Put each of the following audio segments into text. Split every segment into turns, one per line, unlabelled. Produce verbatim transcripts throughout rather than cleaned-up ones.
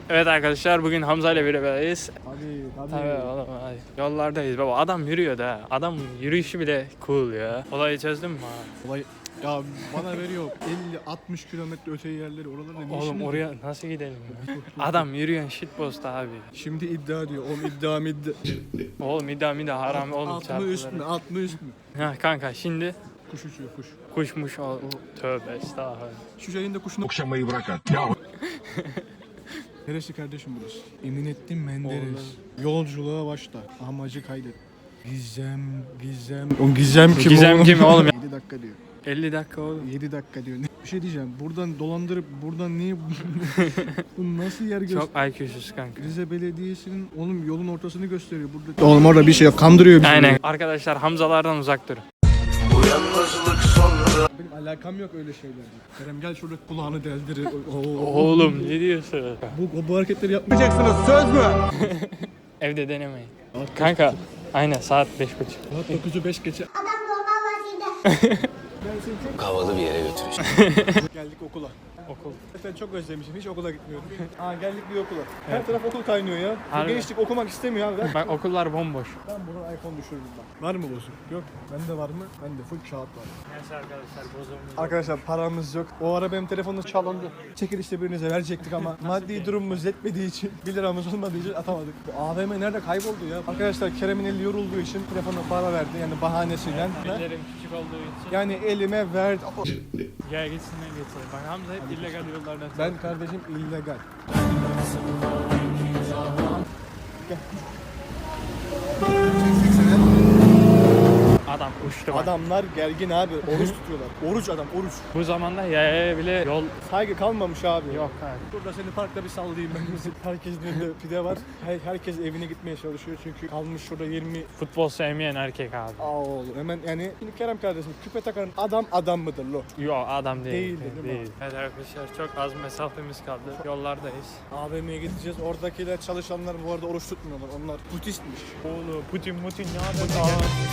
Evet arkadaşlar, bugün Hamza ile beraberiz.
Hadi
Tabii oğlum, hadi. Yollardayız baba. Adam yürüyor da. Adam yürüyüşü bile cool ya. Olayı çözdün mü abi?
Olay ya bana veriyor elli altmış kilometre öte yerleri oralarda ne
Oğlum
işimiz var?
oraya nasıl gidelim ya? Adam yürüyen shitpost abi.
Şimdi iddia diyor. Oğlum iddia mı iddia?
Oğlum iddia middia haram oğlum,
Alt mı
çarpıları.
üst mü? Alt mı üst mü?
Ha kanka, şimdi
Kuş uçuyor kuş.
kuşmuş o. Tövbe estağfurullah.
Şu yayında kuşunu...
Okşamayı bırak at. Ya
Neresi kardeşim burası? Eminettin Menderes. Yolculuğa başla. Amacı kaydet. Gizem, Gizem. O Gizem kim
Gizem
oğlum?
kim oğlum?
yedi dakika diyor.
elli dakika oğlum.
yedi dakika diyor. Bir şey diyeceğim. Buradan dolandırıp buradan niye bu nasıl yer gösteriyor?
Çok I Q'suz kanka.
Rize Belediyesi'nin oğlum yolun ortasını gösteriyor burada. Oğlum orada bir şey yok. Kandırıyor bizi.
Aynen. Arkadaşlar, Hamzalardan uzak durun.
Benim alakam yok öyle şeylerle. Kerem gel şurada kulağını deldir. Oo.
Oğlum ne diyorsun?
Bu, bu hareketleri yapmayacaksınız. Söz mü?
Evde denemeyin. Kanka aynen saat beş buçuk.
Saat dokuzu beş geçe.
havalı bir yere götüreceğim.
Geldik okula.
Okul.
Ben çok özlemişim. Hiç okula gitmiyordum. Aa geldik bir okula. Her taraf okul kaynıyor ya. Bu
Harbi.
gençlik okumak istemiyor abi.
Bak okullar bomboş.
Ben buradan iPhone düşürürüm bak. Var mı bozuk? Yok. Bende var mı? Bende full kağıt var.
Neyse arkadaşlar, bozulmuyor.
Arkadaşlar paramız yok. O ara benim telefonum çalındı. Çekilişte birinize verecektik ama maddi durumumuz yetmediği için, bir liramız olmadığı için atamadık. Bu A V M nerede kayboldu ya? Arkadaşlar Kerem'in eli yorulduğu için telefona para verdi yani bahanesiyle.
Ellerim küçük olduğu için.
Yani elime verdi.
Gel gitsinler getirin. Bak Hamza hep illegal yollardan.
Ben kardeşim illegal. Gel.
Adam uçtu bak.
Adamlar gergin abi. Oruç tutuyorlar. Oruç adam, oruç.
Bu zamanda yaya bile yol
Saygı kalmamış abi.
yok abi.
Burada seni parkta bir sallayayım ben. Herkesin önünde pide var. Her, herkes evine gitmeye çalışıyor çünkü kalmış şurada yirmi.
Futbol sevmeyen erkek abi.
Aa oğlum hemen yani. Şimdi Kerem kardeşim küpe takan adam adam mıdır lo?
Yok adam değil.
Değil, değil mi?
Evet arkadaşlar, çok az mesafemiz kaldı. Yollardayız.
A V M'ye gideceğiz. Oradakiler çalışanlar bu arada oruç tutmuyorlar. Onlar Budistmiş.
Oğlum Putin Putin ne haber?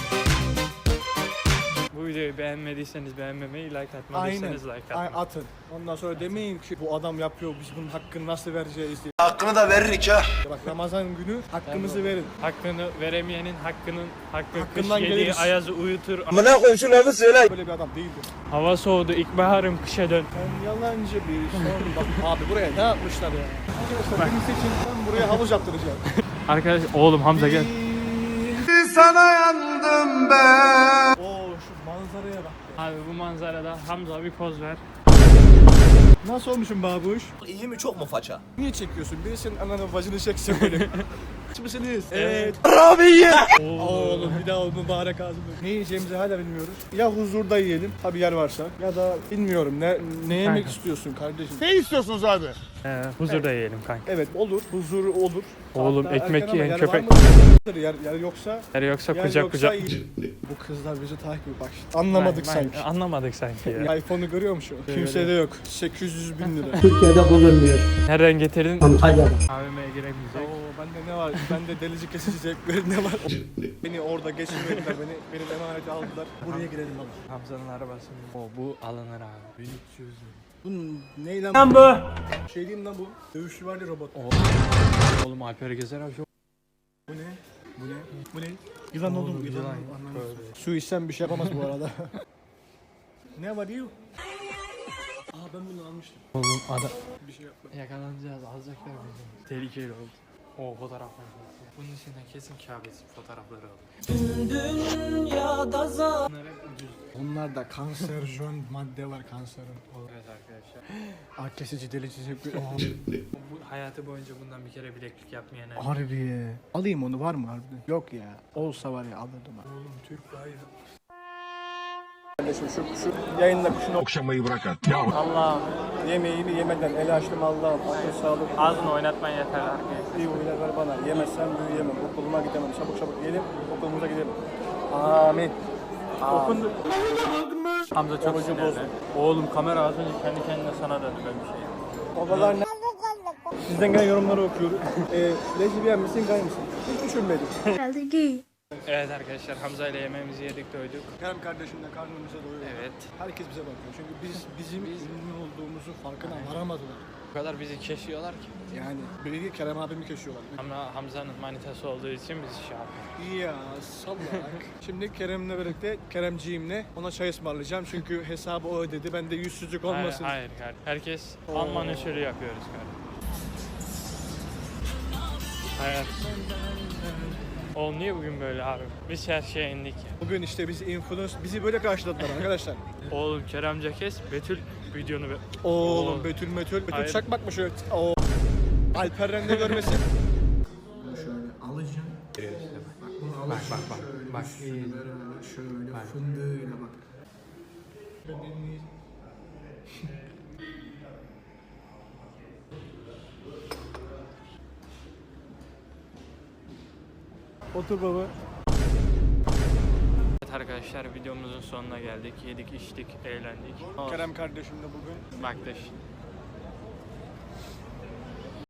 Bu videoyu beğenmediyseniz beğenmemeyi, like
Aynen.
atmadıysanız like
Ay,
atmayı.
atın. Ondan sonra demeyin ki bu adam yapıyor biz bunun hakkını nasıl vereceğiz diye.
Hakkını da veririk ha.
Bak Ramazan günü hakkımızı verin.
Hakkını veremeyenin hakkının hakkı
Hakkından
kış yediği
geliriz.
ayazı uyutur.
Amına koyayım şu lafı söyle.
Böyle bir adam değildir.
Hava soğudu, ilkbaharım kışa dön.
Sen yalancı bir son. Bak abi buraya ne yapmışlar ya? Arkadaşlar beni seçin ben buraya havuz yaptıracağım.
Arkadaş oğlum Hamza gel.
Sana yandım ben.
Oo şu manzaraya bak.
Abi bu manzarada Hamza bir poz ver.
Nasıl olmuşum babuş?
İyi mi çok mu faça?
Niye çekiyorsun? Biri senin ananın bacını çekse böyle. Aç mısınız? Evet.
Rabiye.
Oğlum bir daha o mübarek ağzını. Ne yiyeceğimizi hala bilmiyoruz. Ya huzurda yiyelim, tabi yer varsa. Ya da bilmiyorum ne ne yemek istiyorsun kardeşim?
Ne istiyorsunuz abi?
Ee, huzurda yiyelim kanka.
Evet olur, huzur olur.
Oğlım,
Hatta
ekmek
erken ama
yiyen
yer
köpek.
var mıdır? Yer, yer yoksa,
Yer yoksa
yer
kucak
yoksa
kucak.
iyi. Bu kızlar bizi takip ediyor bak. Anlamadık
Ben- ben-
sanki.
Anlamadık sanki ya.
iPhone'u görüyor musun? Kimsede yok. sekiz yüz bin lira.
Türkiye'de bulunmuyor.
Nereden getirdin?
Antalya'da.
A V M'ye giremeyecek.
Oo bende ne var? Bende delici kesici zevkleri ne var? Beni orada geçirmediler beni. Benim emaneti aldılar. Buraya girelim abi.
Hamza'nın arabası. O bu alınır abi. bin üç yüz.
Bu ne lan?
Lan bu.
Şey diyeyim lan bu. Dövüşçü var ya robot.
Oğlum Alper Gezer abi çok.
Bu ne? Bu ne? Bu ne? Yılan oldu mu?
Oğlum,
Yılan
yılan.
oldu. Anlamadım.
Böyle.
Su içsem bir şey yapamaz bu arada. Ne var you? Aa ben bunu almıştım.
Oğlum adam.
Bir şey yapma.
Yakalanacağız, alacaklar bizi. Tehlikeli oldu. O fotoğraflar. Bunun içinden kesin Kabe'si fotoğrafları aldı. Bunlar hep ucuz.
Onlarda kanserojen madde var kanseron.
Evet arkadaşlar.
Ağ kesici delici zevkleri.
Bu hayatı boyunca bundan bir kere bileklik yapmayan erkek.
Harbi. Alayım onu var mı harbiden? Yok ya. Olsa var ya alırdım ha.
Oğlum Türk bayrağı.
Kardeşim şu, şu yayınla kuşunu
Okşamayı bırak at. Ya
Allah'ım.
yemeğimi yemeden el açtım Allah'ım. Akıl sağlık.
Ağzını oynatman yeter arkadaşlar.
İyi huylar ver bana. Yemezsem büyüyemem. Okuluma gidemem. Çabuk çabuk yiyelim. Okulumuza gidelim. Amin.
Okundu. Hamza çok
Orucu
sinirli.
bozdu.
Oğlum kamera az önce kendi kendine sana döndü ben bir şey.
Babalar ne? Sizden gelen yorumları okuyoruz. Eee lezbiyen misin gay mısın? Hiç düşünmedim.
Herhalde gay.
Evet arkadaşlar, Hamza ile yemeğimizi yedik, doyduk.
Kerem kardeşimle karnımıza doyuyor.
Evet.
Herkes bize bakıyor. Çünkü biz bizim ünlü olduğumuzu farkına varamadılar.
O kadar bizi kesiyorlar ki.
Yani beni değil Kerem abimi kesiyorlar.
Ama Hamza'nın manitası olduğu için bizi şey yapıyor.
Ya sallak. Şimdi Kerem'le birlikte Keremciğimle ona çay ısmarlayacağım çünkü hesabı o ödedi. Ben de yüzsüzlük olmasın.
Hayır, hayır, hayır. Herkes
Oo.
Alman usulü yapıyoruz kardeşim. Hayat. Oğlum niye bugün böyle abi? Biz her şeye indik ya.
Bugün işte bizi influence bizi böyle karşıladılar arkadaşlar.
Oğlum Keremce kes, Betül videonu be.
Oğlum
Oo.
Betül Metül. Betül
Hayır.
çakmak mı şöyle? Oo. Alperen de görmesin.
Bunu şöyle alacağım. Bak bunu alacağım.
bak,
şöyle
bak.
üstüne böyle şöyle
Bak.
fındığıyla bak.
Otur baba.
Evet arkadaşlar videomuzun sonuna geldik. Yedik, içtik, eğlendik.
Kerem kardeşim de bugün
Bak da işte.